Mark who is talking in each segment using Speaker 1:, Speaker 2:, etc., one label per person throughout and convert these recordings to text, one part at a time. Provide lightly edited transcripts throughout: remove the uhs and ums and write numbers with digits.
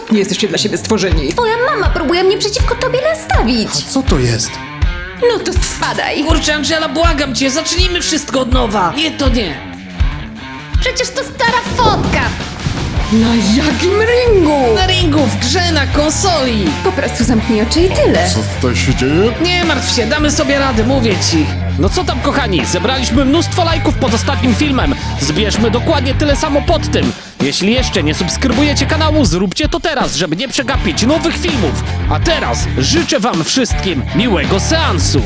Speaker 1: okropnie jesteście dla siebie stworzeni.
Speaker 2: Twoja mama próbuje mnie przeciwko tobie nastawić.
Speaker 3: Co to jest?
Speaker 1: No to spadaj.
Speaker 4: Kurczę, Angela, błagam cię, zacznijmy wszystko od nowa. Nie, to nie.
Speaker 2: Przecież to stara fotka.
Speaker 1: Na jakim ringu?
Speaker 4: Na ringu, w grze, na konsoli.
Speaker 2: Po prostu zamknij oczy i tyle.
Speaker 3: Co tutaj się dzieje?
Speaker 4: Nie martw się, damy sobie radę, mówię ci. No co tam, kochani, zebraliśmy mnóstwo lajków pod ostatnim filmem. Zbierzmy dokładnie tyle samo pod tym. Jeśli jeszcze nie subskrybujecie kanału, zróbcie to teraz, żeby nie przegapić nowych filmów. A teraz życzę wam wszystkim miłego seansu.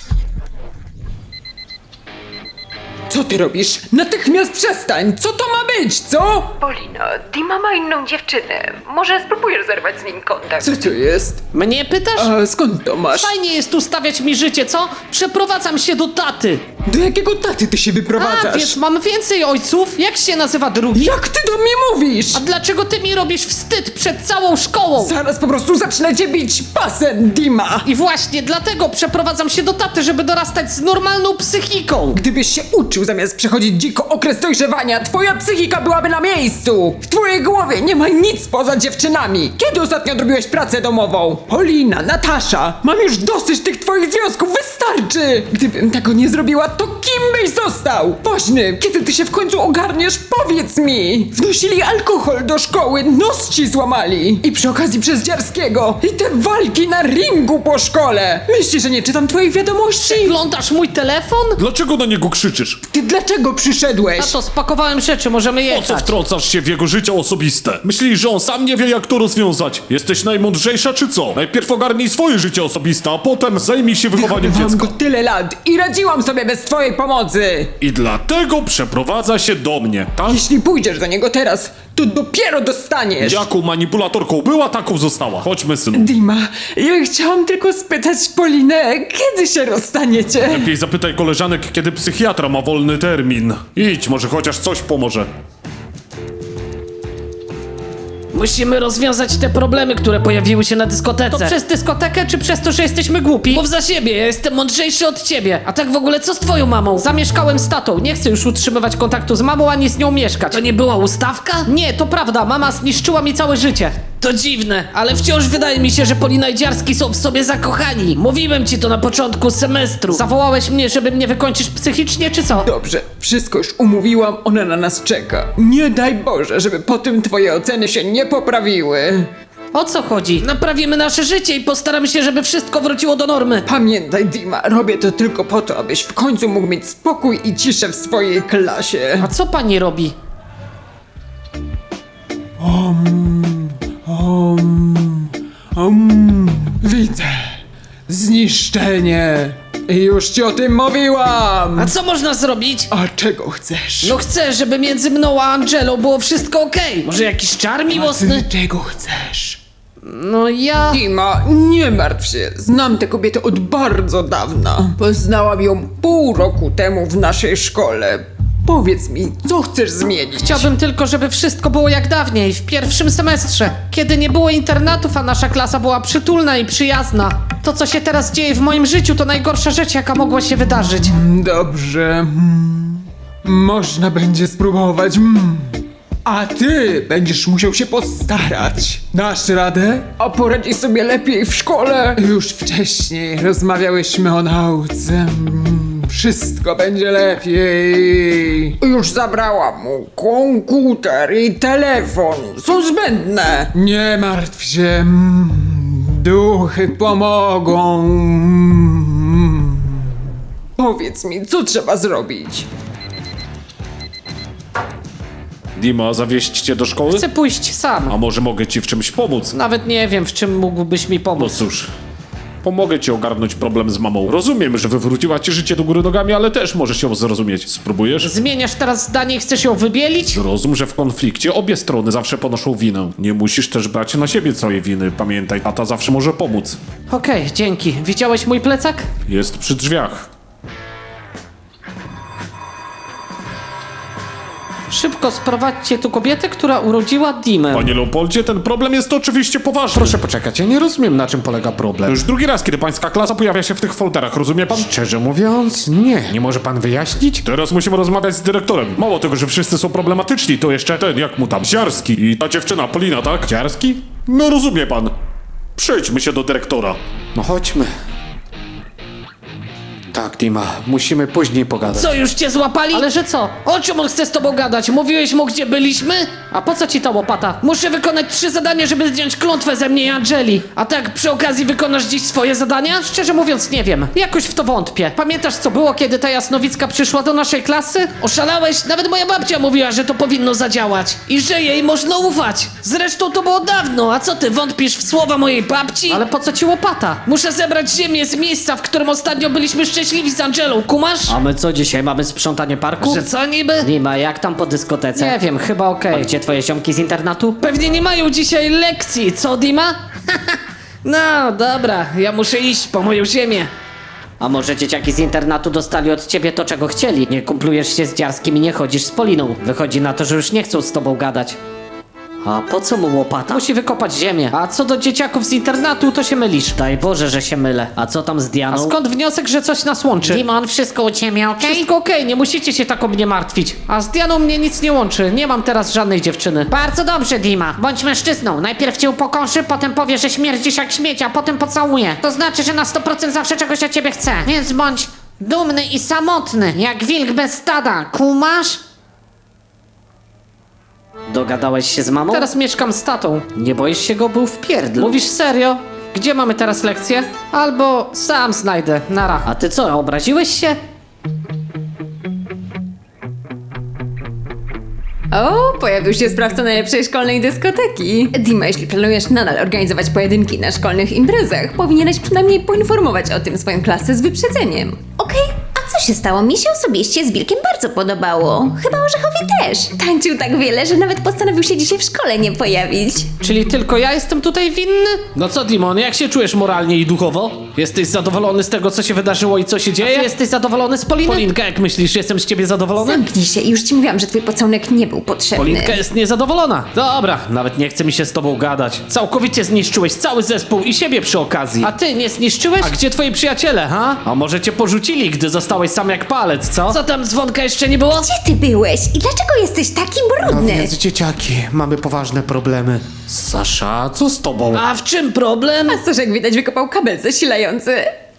Speaker 1: Co ty robisz? Natychmiast przestań! Co to ma być, co?
Speaker 5: Polina, Dima ma inną dziewczynę. Może spróbujesz zerwać z nim kontakt?
Speaker 1: Co to jest?
Speaker 4: Mnie pytasz?
Speaker 1: A skąd to masz?
Speaker 4: Fajnie jest ustawiać mi życie, co? Przeprowadzam się do taty.
Speaker 1: Do jakiego taty ty się
Speaker 4: A,
Speaker 1: wyprowadzasz?
Speaker 4: wiesz, mam więcej ojców. Jak się nazywa drugi?
Speaker 1: Jak ty do mnie mówisz?
Speaker 4: A dlaczego ty mi robisz wstyd przed całą szkołą?
Speaker 1: Zaraz po prostu zacznę cię bić pasem, Dima!
Speaker 4: I właśnie dlatego przeprowadzam się do taty, żeby dorastać z normalną psychiką.
Speaker 1: Gdybyś się uczył zamiast przechodzić dziko okres dojrzewania, twoja psychika byłaby na miejscu! W twojej głowie nie ma nic poza dziewczynami! Kiedy ostatnio odrobiłeś pracę domową? Polina, Natasza, mam już dosyć tych twoich związków, wystarczy! Gdybym tego nie zrobiła, to kim byś został? Woźny, kiedy ty się w końcu ogarniesz, powiedz mi! Wnosili alkohol do szkoły, nos ci złamali! I przy okazji przez Dziarskiego! I te walki na ringu po szkole! Myślisz, że nie czytam twoich wiadomości?
Speaker 4: Oglądasz mój telefon?
Speaker 3: Dlaczego na niego krzyczysz?
Speaker 1: Ty dlaczego przyszedłeś?
Speaker 4: Tato, spakowałem rzeczy, możemy
Speaker 3: Po co
Speaker 4: jechać.
Speaker 3: wtrącasz się w jego życie osobiste? Myślisz, że on sam nie wie, jak to rozwiązać? Jesteś najmądrzejsza, czy co? Najpierw ogarnij swoje życie osobiste, a potem zajmij się wychowaniem
Speaker 1: Wychowywałam
Speaker 3: dziecka.
Speaker 1: go tyle lat i radziłam sobie bez twojej pomocy!
Speaker 3: I dlatego przeprowadza się do mnie, tak?
Speaker 1: Jeśli pójdziesz do niego teraz, to dopiero dostaniesz!
Speaker 3: Jaką manipulatorką była, taką została. Chodźmy, synu.
Speaker 1: Dima, ja chciałam tylko spytać Polinę, kiedy się rozstaniecie?
Speaker 3: Lepiej zapytaj koleżanek, kiedy psychiatra ma wolny termin. Idź, może chociaż coś pomoże.
Speaker 4: Musimy rozwiązać te problemy, które pojawiły się na dyskotece. To przez dyskotekę, czy przez to, że jesteśmy głupi? Mów za siebie, ja jestem mądrzejszy od ciebie. A tak w ogóle, co z twoją mamą? Zamieszkałem z tatą, nie chcę już utrzymywać kontaktu z mamą, ani z nią mieszkać. To nie była ustawka? Nie, to prawda, mama zniszczyła mi całe życie. To dziwne, ale wciąż wydaje mi się, że Polina i Dziarski są w sobie zakochani. Mówiłem ci to na początku semestru. Zawołałeś mnie, żeby mnie wykończyć psychicznie, czy co?
Speaker 1: Dobrze, wszystko już umówiłam, ona na nas czeka. Nie daj Boże, żeby po tym twoje oceny się nie poprawiły.
Speaker 4: O co chodzi? Naprawimy nasze życie i postaramy się, żeby wszystko wróciło do normy.
Speaker 1: Pamiętaj, Dima, robię to tylko po to, abyś w końcu mógł mieć spokój i ciszę w swojej klasie.
Speaker 4: A co pani robi?
Speaker 1: Widzę. Zniszczenie. I już ci o tym mówiłam.
Speaker 4: A co można zrobić?
Speaker 1: A czego chcesz?
Speaker 4: No chcę, żeby między mną a Angelą było wszystko okej. Może jakiś czar miłosny?
Speaker 1: Ty czego chcesz?
Speaker 4: No ja...
Speaker 1: Dima, nie martw się. Znam tę kobietę od bardzo dawna. Poznałam ją pół roku temu w naszej szkole. Powiedz mi, co chcesz zmienić?
Speaker 4: Chciałbym tylko, żeby wszystko było jak dawniej, w pierwszym semestrze. Kiedy nie było internatów, a nasza klasa była przytulna i przyjazna. To, co się teraz dzieje w moim życiu, to najgorsza rzecz, jaka mogła się wydarzyć.
Speaker 1: Dobrze. Można będzie spróbować. A ty będziesz musiał się postarać. Dasz radę? A poradzisz sobie lepiej w szkole? Już wcześniej rozmawiałyśmy o nauce. Wszystko będzie lepiej. Już zabrałam mu komputer i telefon. Są zbędne. Nie martw się. Duchy pomogą. Powiedz mi, co trzeba zrobić?
Speaker 3: Dima, zawieźć cię do szkoły?
Speaker 4: Chcę pójść sam.
Speaker 3: A może mogę ci w czymś pomóc?
Speaker 4: Nawet nie wiem, w czym mógłbyś mi
Speaker 3: No
Speaker 4: pomóc.
Speaker 3: cóż, pomogę ci ogarnąć problem z mamą. Rozumiem, że wywróciła ci życie do góry nogami, ale też możesz ją zrozumieć. Spróbujesz?
Speaker 4: Zmieniasz teraz zdanie i chcesz ją wybielić?
Speaker 3: Zrozum, że w konflikcie obie strony zawsze ponoszą winę. Nie musisz też brać na siebie całej winy. Pamiętaj, tata zawsze może pomóc.
Speaker 4: Okej, dzięki. Widziałeś mój plecak?
Speaker 3: Jest przy drzwiach.
Speaker 4: Szybko sprowadźcie tu kobietę, która urodziła Dimę.
Speaker 3: Panie Leopoldzie, ten problem jest oczywiście poważny.
Speaker 6: Proszę poczekać, ja nie rozumiem, na czym polega
Speaker 3: To
Speaker 6: problem.
Speaker 3: już drugi raz, kiedy pańska klasa pojawia się w tych folderach, rozumie pan?
Speaker 6: Szczerze mówiąc, nie. Nie może pan wyjaśnić?
Speaker 3: Teraz musimy rozmawiać z dyrektorem. Mało tego, że wszyscy są problematyczni, to jeszcze ten, jak mu tam, Ziarski i ta dziewczyna, Polina, tak?
Speaker 6: Dziarski?
Speaker 3: No rozumie pan. Przejdźmy się do dyrektora.
Speaker 6: No chodźmy. Tak, Dima, musimy później pogadać.
Speaker 4: Co, już cię złapali? Ale że co? O czym on chce z tobą gadać? Mówiłeś mu, gdzie byliśmy? A po co ci ta łopata? Muszę wykonać 3 zadania, żeby zdjąć klątwę ze mnie i Angeli. A tak, przy okazji wykonasz dziś swoje zadania? Szczerze mówiąc, nie wiem. Jakoś w to wątpię. Pamiętasz, co było, kiedy ta jasnowicka przyszła do naszej klasy? Oszalałeś? Nawet moja babcia mówiła, że to powinno zadziałać. I że jej można ufać. Zresztą to było dawno, a co ty, wątpisz w słowa mojej babci? Ale po co ci łopata? Muszę zebrać ziemię z miejsca, w którym ostatnio byliśmy szczęśliwi z Angelą, kumasz?
Speaker 7: A my co dzisiaj, mamy sprzątanie parku?
Speaker 4: Że co niby?
Speaker 7: Dima, jak tam po dyskotece?
Speaker 4: Nie wiem, chyba
Speaker 7: A
Speaker 4: okej.
Speaker 7: gdzie twoje ziomki z internatu?
Speaker 4: Pewnie nie mają dzisiaj lekcji, co Dima? No, dobra, ja muszę iść po moją ziemię.
Speaker 7: A może dzieciaki z internatu dostali od ciebie to, czego chcieli? Nie kumplujesz się z Dziarskim i nie chodzisz z Poliną. Wychodzi na to, że już nie chcą z tobą gadać. A po co mu łopata?
Speaker 4: Musi wykopać ziemię. A co do dzieciaków z internatu, to się mylisz.
Speaker 7: Daj Boże, że się mylę. A co tam z
Speaker 4: A
Speaker 7: Dianą?
Speaker 4: skąd wniosek, że coś nas łączy?
Speaker 7: Dimon, wszystko u ciebie, okej?
Speaker 4: Wszystko okej, nie musicie się tak o mnie martwić. A z Dianą mnie nic nie łączy, nie mam teraz żadnej dziewczyny.
Speaker 7: Bardzo dobrze, Dima. Bądź mężczyzną. Najpierw cię upokorzy, potem powie, że śmierdzisz jak śmieć, a potem pocałuje. To znaczy, że na 100% zawsze czegoś od ciebie chce. Więc bądź dumny i samotny, jak wilk bez stada. Kumasz? Dogadałeś się z mamą?
Speaker 4: Teraz mieszkam z tatą.
Speaker 7: Nie boisz się go, był w pierdlu.
Speaker 4: Mówisz serio? Gdzie mamy teraz lekcję? Albo sam znajdę, nara.
Speaker 7: A ty co, obraziłeś się?
Speaker 2: O, pojawił się sprawca najlepszej szkolnej dyskoteki. Dima, jeśli planujesz nadal organizować pojedynki na szkolnych imprezach, powinieneś przynajmniej poinformować o tym swoją klasę z wyprzedzeniem.
Speaker 8: Okej, a co się stało? Mi się osobiście z Wilkiem bardzo podobało. Chyba Orzechowi też.
Speaker 2: Tańczył tak wiele, że nawet postanowił się dzisiaj w szkole nie pojawić.
Speaker 4: Czyli tylko ja jestem tutaj winny? No co, Dimon, jak się czujesz moralnie i duchowo? Jesteś zadowolony z tego, co się wydarzyło i co się dzieje? Ty jesteś zadowolony z Poliny? Polinka, jak myślisz, jestem z ciebie zadowolony?
Speaker 2: Zamknij się i już ci mówiłam, że twój pocałunek nie był potrzebny.
Speaker 4: Polinka jest niezadowolona. Dobra, nawet nie chce mi się z tobą gadać. Całkowicie zniszczyłeś cały zespół i siebie przy okazji. A ty nie zniszczyłeś? A gdzie twoi przyjaciele, ha? A może cię porzucili, gdy zostałeś sam jak palec, co? Co tam, dzwonka jeszcze nie było?
Speaker 8: Gdzie ty byłeś? I dlaczego jesteś taki
Speaker 6: No
Speaker 8: brudny?
Speaker 6: więc dzieciaki, mamy poważne problemy. Sasza, co z tobą?
Speaker 4: A w czym problem?
Speaker 2: A Sosz, jak widać, wykopał kabel zasilający.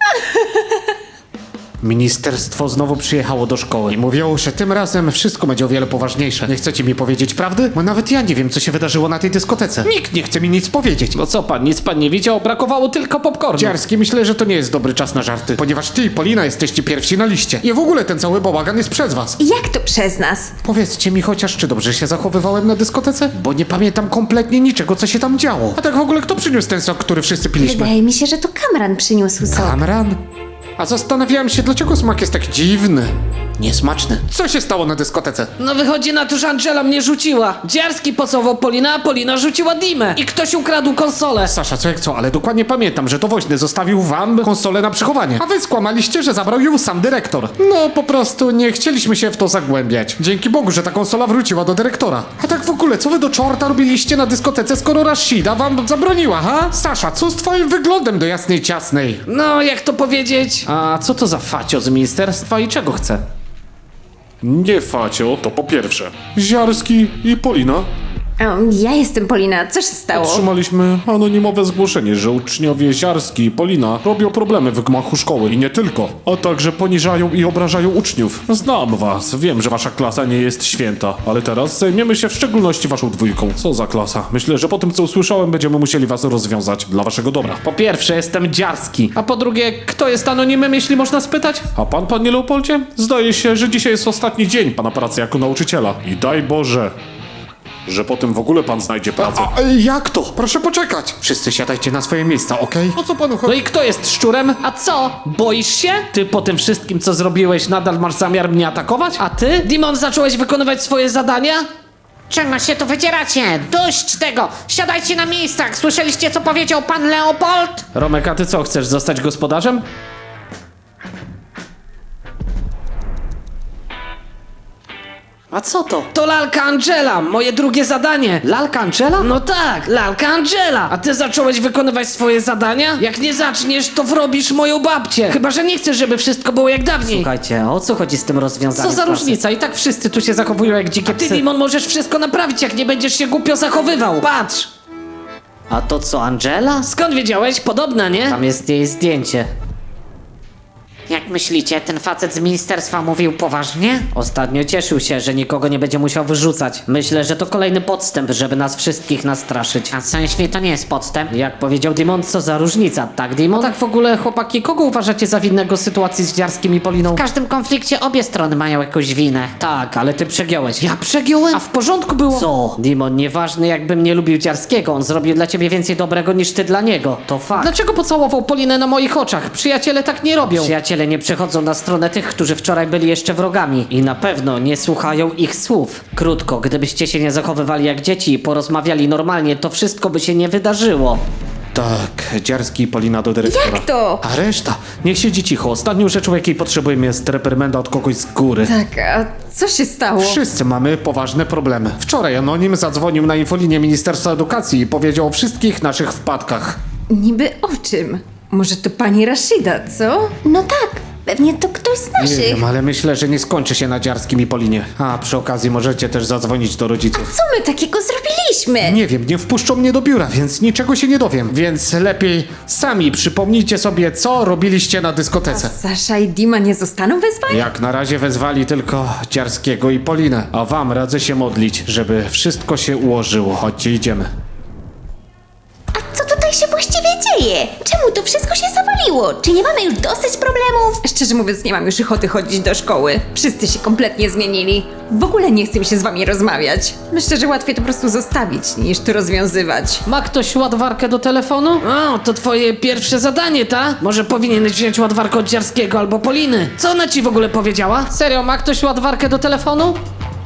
Speaker 6: Ministerstwo znowu przyjechało do szkoły i mówią, że tym razem wszystko będzie o wiele poważniejsze. Nie chcecie mi powiedzieć prawdy? Bo nawet ja nie wiem, co się wydarzyło na tej dyskotece. Nikt nie chce mi nic powiedzieć.
Speaker 4: No co pan, nic pan nie widział? Brakowało tylko popcornu.
Speaker 6: Dziarski, myślę, że to nie jest dobry czas na żarty, ponieważ ty i Polina jesteście pierwsi na liście. I w ogóle ten cały bałagan jest przez was.
Speaker 2: Jak to przez nas?
Speaker 6: Powiedzcie mi chociaż, czy dobrze się zachowywałem na dyskotece? Bo nie pamiętam kompletnie niczego, co się tam działo. A tak w ogóle kto przyniósł ten sok, który wszyscy piliśmy?
Speaker 8: Wydaje mi się, że to Kamran przyniósł sok.
Speaker 6: Kamran? A zastanawiałem się, dlaczego smak jest tak dziwny. Niesmaczny. Co się stało na dyskotece?
Speaker 4: No wychodzi na to, że Angela mnie rzuciła. Dziarski pocałował Polina, a Polina rzuciła Dimę. I ktoś ukradł konsolę.
Speaker 6: Sasza, co jak co, ale dokładnie pamiętam, że to Woźny zostawił wam konsolę na przechowanie. A wy skłamaliście, że zabrał ją sam dyrektor. No po prostu nie chcieliśmy się w to zagłębiać. Dzięki Bogu, że ta konsola wróciła do dyrektora. A tak w ogóle, co wy do czorta robiliście na dyskotece, skoro Rashida wam zabroniła, ha? Sasza, co z twoim wyglądem do jasnej ciasnej?
Speaker 4: No, jak to powiedzieć? A co to za facio z ministerstwa i czego chce?
Speaker 3: Nie Facio, to po pierwsze. Ziarski i Polina.
Speaker 2: Ja jestem Polina, co się stało?
Speaker 3: Otrzymaliśmy anonimowe zgłoszenie, że uczniowie Ziarski i Polina robią problemy w gmachu szkoły i nie tylko, a także poniżają i obrażają uczniów. Znam was, wiem, że wasza klasa nie jest święta, ale teraz zajmiemy się w szczególności waszą dwójką. Co za klasa? Myślę, że po tym, co usłyszałem, będziemy musieli was rozwiązać dla waszego dobra.
Speaker 4: Po pierwsze, jestem Dziarski. A po drugie, kto jest anonimem, jeśli można spytać?
Speaker 3: A pan, panie Leopoldzie? Zdaje się, że dzisiaj jest ostatni dzień pana pracy jako nauczyciela. I daj Boże, że potem w ogóle pan znajdzie pracę.
Speaker 6: A jak to? Proszę poczekać. Wszyscy siadajcie na swoje miejsca, okej? O co panu
Speaker 4: No
Speaker 6: chodzi?
Speaker 4: i kto jest szczurem? A co? Boisz się? Ty po tym wszystkim, co zrobiłeś, nadal masz zamiar mnie atakować? A ty? Dimon, zacząłeś wykonywać swoje zadania?
Speaker 7: Czego się tu wydzieracie? Dość tego! Siadajcie na miejscach! Słyszeliście, co powiedział pan Leopold?
Speaker 4: Romek, a ty co, chcesz zostać gospodarzem?
Speaker 7: A co to?
Speaker 4: To lalka Angela, moje drugie zadanie. Lalka Angela? No tak, lalka Angela. A ty zacząłeś wykonywać swoje zadania? Jak nie zaczniesz, to wrobisz moją babcię. Chyba, że nie chcesz, żeby wszystko było jak dawniej.
Speaker 7: Słuchajcie, o co chodzi z tym rozwiązaniem
Speaker 4: Co za
Speaker 7: klasy?
Speaker 4: różnica? I tak wszyscy tu się zachowują jak dzikie psy. Ty, Dimon, możesz wszystko naprawić, jak nie będziesz się głupio zachowywał. Patrz! A to co, Angela? Skąd wiedziałeś? Podobna, nie? Tam jest jej zdjęcie.
Speaker 7: Jak myślicie, ten facet z ministerstwa mówił poważnie?
Speaker 4: Ostatnio cieszył się, że nikogo nie będzie musiał wyrzucać. Myślę, że to kolejny podstęp, żeby nas wszystkich nastraszyć.
Speaker 7: A co jeśli to nie jest podstęp?
Speaker 4: Jak powiedział Dimon, co za różnica, tak Dimon? Tak w ogóle, chłopaki, kogo uważacie za winnego sytuacji z Dziarskim i Poliną?
Speaker 7: W każdym konflikcie obie strony mają jakąś winę.
Speaker 4: Tak, ale ty przegiąłeś. Ja przegiąłem? A w porządku było? Co? Dimon, nieważne jakbym nie lubił Dziarskiego, on zrobił dla ciebie więcej dobrego niż ty dla niego. To fakt. Dlaczego pocałował Polinę na moich oczach? Przyjaciele tak nie robią. Przyjaciele nie przechodzą na stronę tych, którzy wczoraj byli jeszcze wrogami. I na pewno nie słuchają ich słów. Krótko, gdybyście się nie zachowywali jak dzieci i porozmawiali normalnie, to wszystko by się nie wydarzyło.
Speaker 3: Tak, Dziarski i Polina do dyrektora.
Speaker 8: Jak to?
Speaker 3: A reszta? Niech siedzi cicho. Ostatnią rzeczą, jakiej potrzebujemy, jest reprymenda od kogoś z góry.
Speaker 2: Tak, a co się stało?
Speaker 3: Wszyscy mamy poważne problemy. Wczoraj Anonim zadzwonił na infolinię Ministerstwa Edukacji i powiedział o wszystkich naszych wpadkach.
Speaker 2: Niby o czym? Może to pani Rashida, co?
Speaker 8: No tak, pewnie to ktoś z
Speaker 3: Nie
Speaker 8: naszych.
Speaker 3: wiem, ale myślę, że nie skończy się na Dziarskim i Polinie. A przy okazji możecie też zadzwonić do rodziców.
Speaker 8: Co my takiego zrobiliśmy?
Speaker 3: Nie wiem, nie wpuszczą mnie do biura, więc niczego się nie dowiem. Więc lepiej sami przypomnijcie sobie, co robiliście na dyskotece.
Speaker 2: Sasza i Dima nie zostaną wezwani?
Speaker 3: Jak na razie wezwali tylko Dziarskiego i Polinę, a wam radzę się modlić, żeby wszystko się ułożyło. Chodźcie, idziemy.
Speaker 8: Co tutaj się właściwie dzieje? Czemu to wszystko się zawaliło? Czy nie mamy już dosyć problemów?
Speaker 2: Szczerze mówiąc, nie mam już ochoty chodzić do szkoły. Wszyscy się kompletnie zmienili. W ogóle nie chcę mi się z wami rozmawiać. Myślę, że łatwiej to po prostu zostawić, niż to rozwiązywać.
Speaker 4: Ma ktoś ładowarkę do telefonu? O, to twoje pierwsze zadanie, ta? Może powinieneś wziąć ładowarkę od Dziarskiego albo Poliny. Co ona ci w ogóle powiedziała? Serio, ma ktoś ładowarkę do telefonu?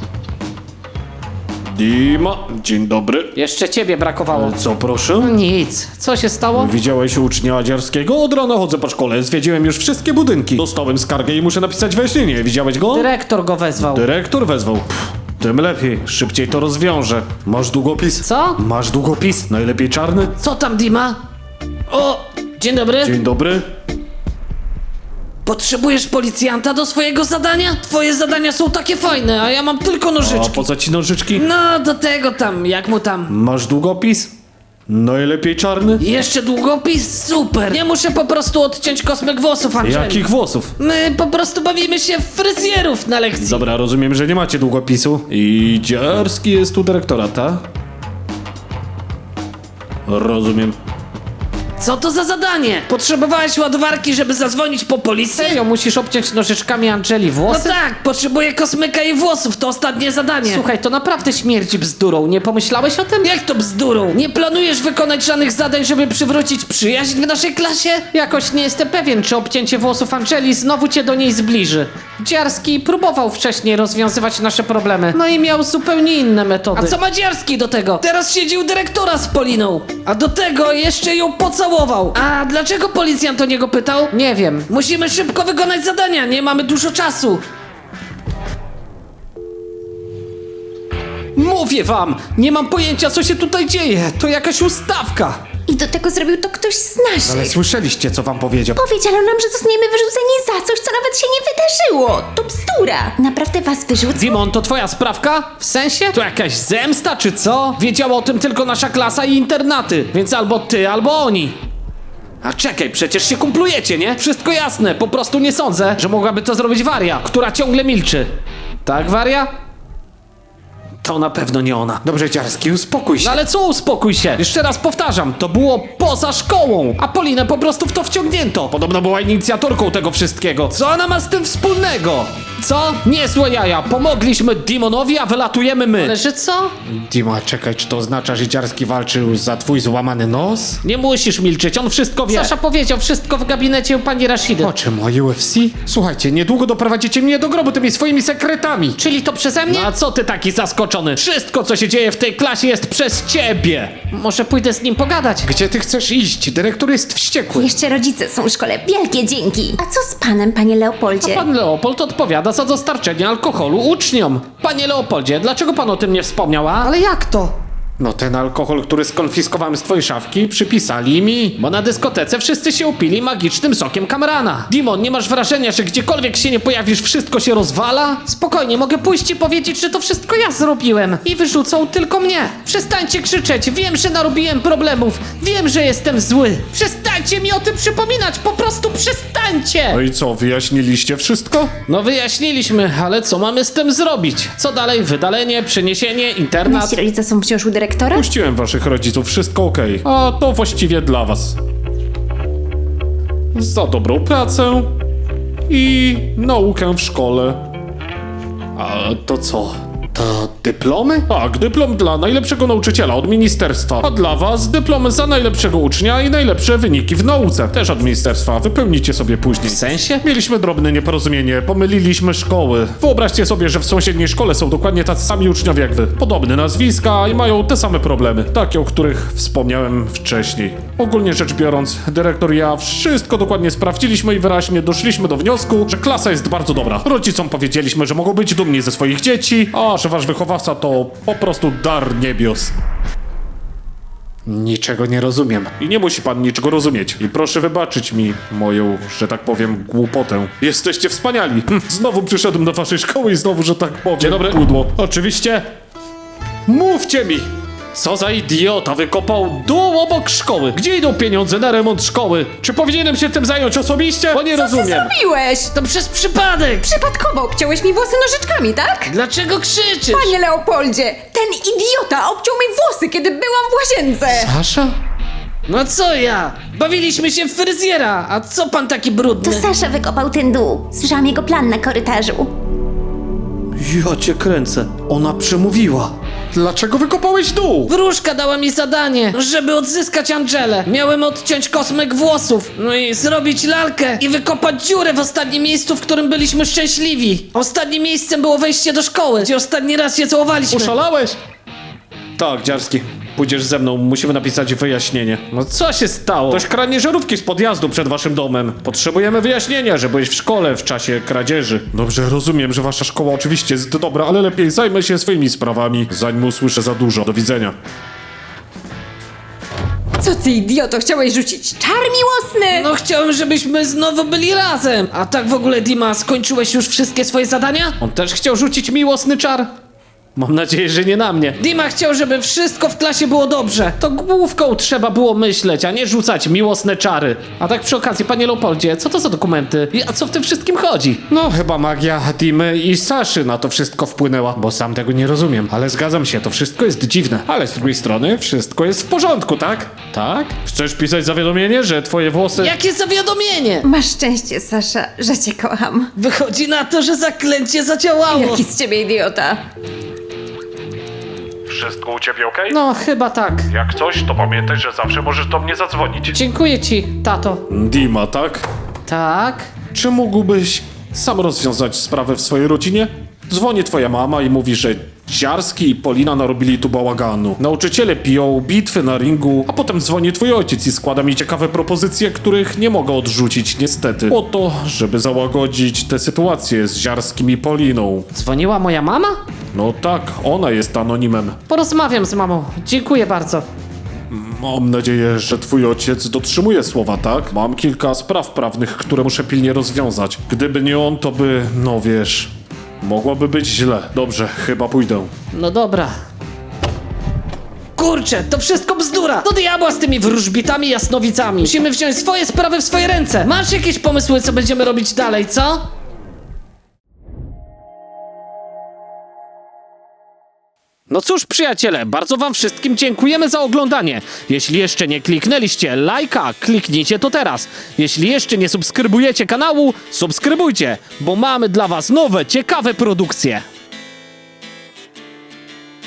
Speaker 3: Dima, dzień dobry.
Speaker 4: Jeszcze ciebie brakowało.
Speaker 3: Co proszę?
Speaker 4: Nic. Co się stało?
Speaker 3: Widziałeś ucznia Dziarskiego? Od rana chodzę po szkole, zwiedziłem już wszystkie budynki. Dostałem skargę i muszę napisać wyjaśnienie. Widziałeś go?
Speaker 4: Dyrektor go wezwał.
Speaker 3: Dyrektor wezwał. Pff, tym lepiej, szybciej to rozwiążę. Masz długopis?
Speaker 4: Co?
Speaker 3: Masz długopis? Najlepiej czarny?
Speaker 4: Co tam, Dima? O, dzień dobry.
Speaker 3: Dzień dobry.
Speaker 4: Potrzebujesz policjanta do swojego zadania? Twoje zadania są takie fajne, a ja mam tylko
Speaker 3: A
Speaker 4: nożyczki.
Speaker 3: po co ci nożyczki?
Speaker 4: No, do tego tam, jak mu tam.
Speaker 3: Masz długopis? Najlepiej czarny?
Speaker 4: Jeszcze długopis? Super! Nie muszę po prostu odciąć kosmyk włosów, Angeli.
Speaker 3: Jakich włosów?
Speaker 4: My po prostu bawimy się w fryzjerów na lekcji.
Speaker 3: Dobra, rozumiem, że nie macie długopisu. I Dziarski jest tu dyrektora, tak? Rozumiem.
Speaker 4: Co to za zadanie? Potrzebowałeś ładowarki, żeby zadzwonić po policję?
Speaker 7: Serio, musisz obciąć nożyczkami Angeli
Speaker 4: No
Speaker 7: włosy?
Speaker 4: tak, potrzebuję kosmyka i włosów, to ostatnie zadanie.
Speaker 7: Słuchaj, to naprawdę śmierdzi bzdurą. Nie pomyślałeś o tym?
Speaker 4: Jak to bzdurą? Nie planujesz wykonać żadnych zadań, żeby przywrócić przyjaźń w naszej klasie?
Speaker 7: Jakoś nie jestem pewien, czy obcięcie włosów Angeli znowu cię do niej zbliży. Dziarski próbował wcześniej rozwiązywać nasze problemy, no i miał zupełnie inne metody.
Speaker 4: A co ma Dziarski do tego? Teraz siedzi u dyrektora z Poliną, a do tego jeszcze ją pocałował. A dlaczego policjant o niego pytał?
Speaker 7: Nie wiem.
Speaker 4: Musimy szybko wykonać zadania, nie mamy dużo czasu.
Speaker 7: Mówię wam, nie mam pojęcia, co się tutaj dzieje. To jakaś ustawka.
Speaker 8: I do tego zrobił to ktoś z naszych.
Speaker 3: Ale słyszeliście, co wam powiedział?
Speaker 8: Powiedziano nam, że zostaniemy wyrzuceni za coś, co nawet się nie wydarzyło. To bzdura. Naprawdę was wyrzucą?
Speaker 7: Dimon, to twoja sprawka? W sensie? To jakaś zemsta, czy co? Wiedziała o tym tylko nasza klasa i internaty, więc albo ty, albo oni. A czekaj, przecież się kumplujecie, nie? Wszystko jasne, po prostu nie sądzę, że mogłaby to zrobić Waria, która ciągle milczy. Tak, Waria? To na pewno nie ona.
Speaker 3: Dobrze, Dziarski, uspokój się.
Speaker 7: No ale co, uspokój się. Jeszcze raz powtarzam, to było poza szkołą, a Polinę po prostu w to wciągnięto. Podobno była inicjatorką tego wszystkiego. Co ona ma z tym wspólnego? Co? Niezłe jaja. Pomogliśmy Dimonowi, a wylatujemy my. Ale że co?
Speaker 3: Dima, czekaj, czy to oznacza, że Dziarski walczył za twój złamany nos?
Speaker 7: Nie musisz milczeć, on wszystko wie. Sasza powiedział wszystko w gabinecie u pani Rashidy.
Speaker 3: O czym, o UFC? Słuchajcie, niedługo doprowadzicie mnie do grobu tymi swoimi sekretami.
Speaker 7: Czyli to przeze mnie? No a co ty taki zaskoczony? Wszystko, co się dzieje w tej klasie jest przez ciebie. Może pójdę z nim pogadać.
Speaker 3: Gdzie ty chcesz iść? Dyrektor jest wściekły.
Speaker 8: Jeszcze rodzice są w szkole. Wielkie dzięki. A co z panem, panie Leopoldzie?
Speaker 7: Pan Leopold odpowiada za dostarczenie alkoholu uczniom. Panie Leopoldzie, dlaczego pan o tym nie wspomniał, a?
Speaker 4: Ale jak to?
Speaker 6: No ten alkohol, który skonfiskowałem z twojej szafki, przypisali mi.
Speaker 4: Bo na dyskotece wszyscy się upili magicznym sokiem Kamrana. Dimon, nie masz wrażenia, że gdziekolwiek się nie pojawisz, wszystko się rozwala?
Speaker 7: Spokojnie, mogę pójść i powiedzieć, że to wszystko ja zrobiłem. I wyrzucą tylko mnie.
Speaker 4: Przestańcie krzyczeć, wiem, że narobiłem problemów, wiem, że jestem zły.
Speaker 7: Przestańcie mi o tym przypominać, po prostu przestańcie!
Speaker 3: No i co, wyjaśniliście wszystko?
Speaker 4: No wyjaśniliśmy, ale co mamy z tym zrobić? Co dalej? Wydalenie, przeniesienie, internat?
Speaker 2: Nasi rodzice są wciąż u dyrektora?
Speaker 3: Puściłem waszych rodziców, wszystko okej. A to właściwie dla was. Za dobrą pracę i naukę w szkole. A to co?
Speaker 6: To dyplomy?
Speaker 3: Tak, dyplom dla najlepszego nauczyciela od ministerstwa. A dla was dyplom za najlepszego ucznia i najlepsze wyniki w nauce. Też od ministerstwa. Wypełnicie sobie później.
Speaker 4: W sensie?
Speaker 3: Mieliśmy drobne nieporozumienie, pomyliliśmy szkoły. Wyobraźcie sobie, że w sąsiedniej szkole są dokładnie tacy sami uczniowie jak wy. Podobne nazwiska i mają te same problemy. Takie, o których wspomniałem wcześniej. Ogólnie rzecz biorąc, dyrektor i ja wszystko dokładnie sprawdziliśmy i wyraźnie doszliśmy do wniosku, że klasa jest bardzo dobra. Rodzicom powiedzieliśmy, że mogą być dumni ze swoich dzieci, a że wasz wychowawca to po prostu dar niebios.
Speaker 6: Niczego nie rozumiem.
Speaker 3: I nie musi pan niczego rozumieć. I proszę wybaczyć mi moją, że tak powiem, głupotę. Jesteście wspaniali. Znowu przyszedłem do waszej szkoły i znowu, że tak powiem,
Speaker 4: Dzień dobry.
Speaker 3: pudło. Oczywiście. Mówcie mi!
Speaker 4: Co za idiota wykopał dół obok szkoły? Gdzie idą pieniądze na remont szkoły? Czy powinienem się tym zająć osobiście? Bo nie rozumiem.
Speaker 2: Zrobiłeś!
Speaker 4: To przez przypadek!
Speaker 2: Przypadkowo obciąłeś mi włosy nożyczkami, tak?
Speaker 4: Dlaczego krzyczysz?
Speaker 2: Panie Leopoldzie, ten idiota obciął mi włosy, kiedy byłam w łazience!
Speaker 6: Sasza?
Speaker 4: No co ja? Bawiliśmy się w fryzjera, a co pan taki
Speaker 8: To
Speaker 4: brudny?
Speaker 8: Sasza wykopał ten dół. Słyszałam jego plan na korytarzu.
Speaker 4: Ja cię kręcę. Ona przemówiła.
Speaker 6: Dlaczego wykopałeś dół?
Speaker 4: Wróżka dała mi zadanie, żeby odzyskać Angelę. Miałem odciąć kosmyk włosów, no i zrobić lalkę i wykopać dziurę w ostatnim miejscu, w którym byliśmy szczęśliwi. Ostatnim miejscem było wejście do szkoły, gdzie ostatni raz się całowaliśmy.
Speaker 3: Oszalałeś? Tak, Dziarski. Pójdziesz ze mną, musimy napisać wyjaśnienie.
Speaker 4: No co się stało?
Speaker 3: Ktoś kradnie żarówki z podjazdu przed waszym domem. Potrzebujemy wyjaśnienia, że byłeś w szkole w czasie kradzieży. Dobrze, rozumiem, że wasza szkoła oczywiście jest dobra, ale lepiej zajmę się swoimi sprawami, zanim usłyszę za dużo. Do widzenia.
Speaker 2: Co ty idioto, chciałeś rzucić czar miłosny?
Speaker 4: No chciałem, żebyśmy znowu byli razem. A tak w ogóle, Dima, skończyłeś już wszystkie swoje zadania? On też chciał rzucić miłosny czar? Mam nadzieję, że nie na mnie. Dima chciał, żeby wszystko w klasie było dobrze. To główką trzeba było myśleć, a nie rzucać miłosne czary. A tak przy okazji, panie Leopoldzie, co to za dokumenty? I a co w tym wszystkim chodzi?
Speaker 6: No, chyba magia Dimy i Saszy na to wszystko wpłynęła, bo sam tego nie rozumiem. Ale zgadzam się, to wszystko jest dziwne. Ale z drugiej strony, wszystko jest w porządku, tak? Tak?
Speaker 3: Chcesz pisać zawiadomienie, że twoje włosy...
Speaker 4: Jakie zawiadomienie?
Speaker 2: Masz szczęście, Sasza, że cię kocham.
Speaker 4: Wychodzi na to, że zaklęcie zadziałało.
Speaker 2: Jaki z ciebie idiota.
Speaker 3: Wszystko u ciebie okej?
Speaker 7: No, chyba tak.
Speaker 3: Jak coś, to pamiętaj, że zawsze możesz do mnie zadzwonić.
Speaker 7: Dziękuję ci, tato.
Speaker 3: Dima, tak?
Speaker 7: Tak?
Speaker 3: Czy mógłbyś sam rozwiązać sprawę w swojej rodzinie? Dzwoni twoja mama i mówi, że Dziarski i Polina narobili tu bałaganu. Nauczyciele piją, bitwy na ringu, a potem dzwoni twój ojciec i składa mi ciekawe propozycje, których nie mogę odrzucić niestety. Po to, żeby załagodzić tę sytuację z Dziarskim i Poliną.
Speaker 7: Dzwoniła moja mama?
Speaker 3: No tak, ona jest anonimem.
Speaker 7: Porozmawiam z mamą. Dziękuję bardzo.
Speaker 3: Mam nadzieję, że twój ojciec dotrzymuje słowa, tak? Mam kilka spraw prawnych, które muszę pilnie rozwiązać. Gdyby nie on, to by, no wiesz, mogłoby być źle. Dobrze, chyba pójdę.
Speaker 7: No dobra.
Speaker 4: Kurczę, to wszystko bzdura! Do diabła z tymi wróżbitami i jasnowicami! Musimy wziąć swoje sprawy w swoje ręce! Masz jakieś pomysły, co będziemy robić dalej, co? No cóż, przyjaciele, bardzo wam wszystkim dziękujemy za oglądanie. Jeśli jeszcze nie kliknęliście lajka, kliknijcie to teraz. Jeśli jeszcze nie subskrybujecie kanału, subskrybujcie, bo mamy dla was nowe, ciekawe produkcje.